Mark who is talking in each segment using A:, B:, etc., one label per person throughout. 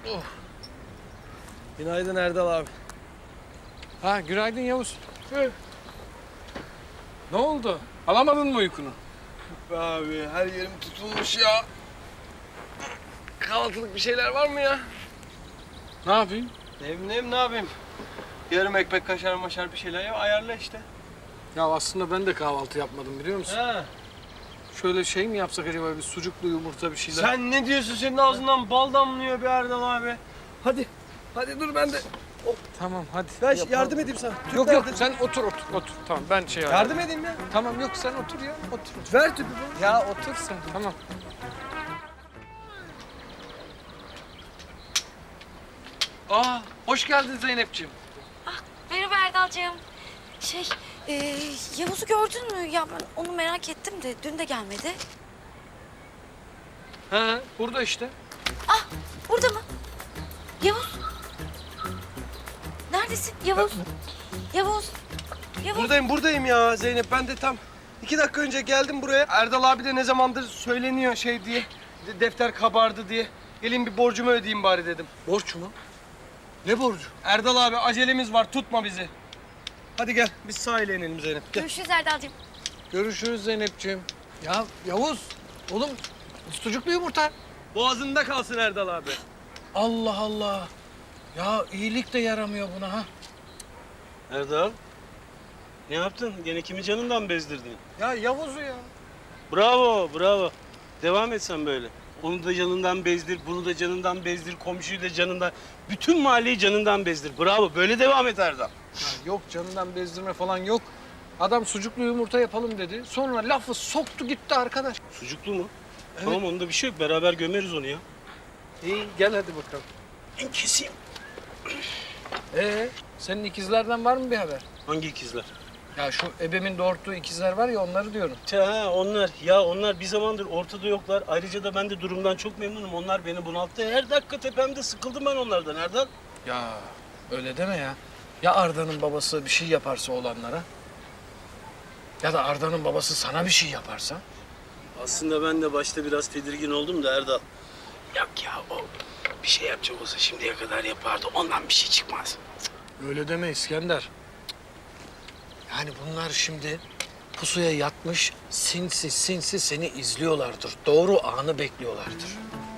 A: Günaydın Erdal abi.
B: Ha, günaydın Yavuz. Ne oldu? Alamadın mı uykunu?
A: Be abi her yerim tutulmuş ya. Kahvaltılık bir şeyler var mı ya?
B: Ne yapayım?
A: Ne bileyim ne yapayım? Yarım ekmek kaşar maşar bir şeyler ya ayarla işte.
B: Ya aslında ben de kahvaltı yapmadım biliyor musun?
A: Ha.
B: Şöyle şey mi yapsak acaba, bir sucuklu yumurta bir şeyler?
A: Sen ne diyorsun? Senin ağzından bal damlıyor be Erdal abi. Hadi. Hadi dur ben de.
B: Tamam hadi.
A: Ben
B: yapalım.
A: yardım edeyim sana. Tüp
B: Yok
A: nerede?
B: sen otur. Tamam ben şey
A: Yardım edeyim ya.
B: Tamam yok sen otur ya. Otur.
A: Ver tüpü bana.
B: Ya otur sen. Tamam. Aa, hoş geldin Zeynepciğim.
C: Merhaba Erdal'cığım. Yavuz'u gördün mü? Ya ben onu merak ettim de dün de gelmedi.
B: He, burada işte.
C: Ah, burada mı? Yavuz. Neredesin? Yavuz. Yavuz. Yavuz.
A: Buradayım ya Zeynep. Ben de tam 2 dakika önce geldim buraya. Erdal abi de ne zamandır söyleniyor şey diye. Defter kabardı diye. Gelin bir borcumu ödeyeyim bari dedim.
B: Borç mu? Ne borcu?
A: Erdal abi acelemiz var, tutma bizi. Hadi gel biz sahile inelim Zeynep. Gel.
C: Görüşürüz Erdal'cığım.
B: Görüşürüz Zeynepciğim. Ya Yavuz, oğlum sucuklu yumurta.
A: Boğazında kalsın Erdal abi.
B: Allah Allah. Ya iyilik de yaramıyor buna ha.
D: Erdal, ne yaptın? Gene kimi canından bezdirdin?
B: Ya Yavuz'u ya.
D: Bravo, bravo. Devam et sen böyle. Onu da canından bezdir, bunu da canından bezdir, komşuyu da canından... Bütün mahalleyi canından bezdir. Bravo, böyle devam et Erdal.
B: Ya yok canından bezdirme falan yok. Adam sucuklu yumurta yapalım dedi. Sonra lafı soktu gitti arkadaş.
D: Sucuklu mu?
B: Evet.
D: Tamam, onda bir şey yok. Beraber gömeriz onu ya.
B: İyi gel hadi bakalım.
D: Ben keseyim.
B: Senin ikizlerden var mı bir haber?
D: Hangi ikizler?
B: Ya şu ebemin doğurttuğu ikizler var ya onları diyorum.
D: Ha, onlar. Ya onlar bir zamandır ortada yoklar. Ayrıca da ben de durumdan çok memnunum. Onlar beni bunalttı. Her dakika tepemde, sıkıldım ben onlardan Erdal.
B: Ya öyle deme ya. Ya Arda'nın babası bir şey yaparsa oğlanlara? Ya da Arda'nın babası sana bir şey yaparsa?
D: Aslında ben de başta biraz tedirgin oldum da Erdal. Yok ya, o bir şey yapacak olsa şimdiye kadar yapardı. Ondan bir şey çıkmaz.
B: Öyle deme İskender. Yani bunlar şimdi pusuya yatmış, sinsi sinsi seni izliyorlardır. Doğru anı bekliyorlardır.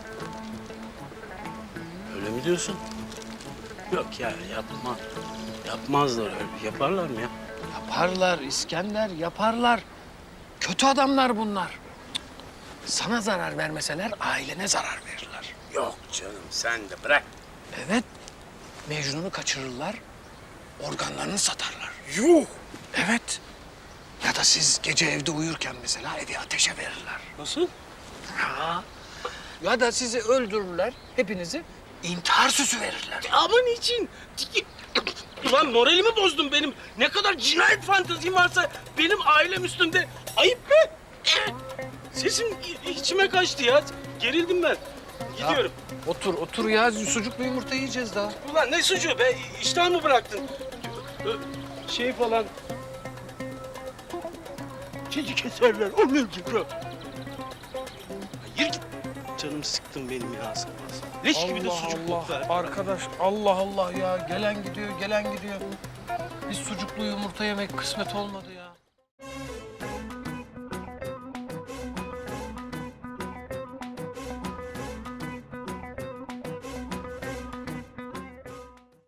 D: Öyle mi diyorsun? Yok ya, yapma. Yapmazlar öyle. Yaparlar mı ya?
B: Yaparlar İskender, yaparlar. Kötü adamlar bunlar. Sana zarar vermeseler ailene zarar verirler.
D: Yok canım, sen de bırak.
B: Evet, Mecnun'u kaçırırlar, organlarını satarlar.
D: Yuh!
B: Evet. Ya da siz gece evde uyurken mesela evi ateşe verirler.
D: Nasıl?
B: Ha. Ya da sizi öldürürler, hepinizi intihar süsü verirler.
D: Ama niçin? Ulan moralimi bozdun benim. Ne kadar cinayet fantezim varsa benim ailem üstünde. Ayıp be! Sesim içime kaçtı ya. Gerildim ben. Gidiyorum.
B: Otur ya. Sucuklu yumurta yiyeceğiz daha.
D: Ulan ne suçu be? İştahımı bıraktın. Şey falan... Sizi keserler, onu öldürür. Hayır git. Canım sıktın benim ya sabah sabah. Leş gibi de sucuk koklar.
B: Arkadaş Allah Allah ya. Gelen gidiyor, gelen gidiyor. Biz sucuklu yumurta yemek kısmet olmadı ya.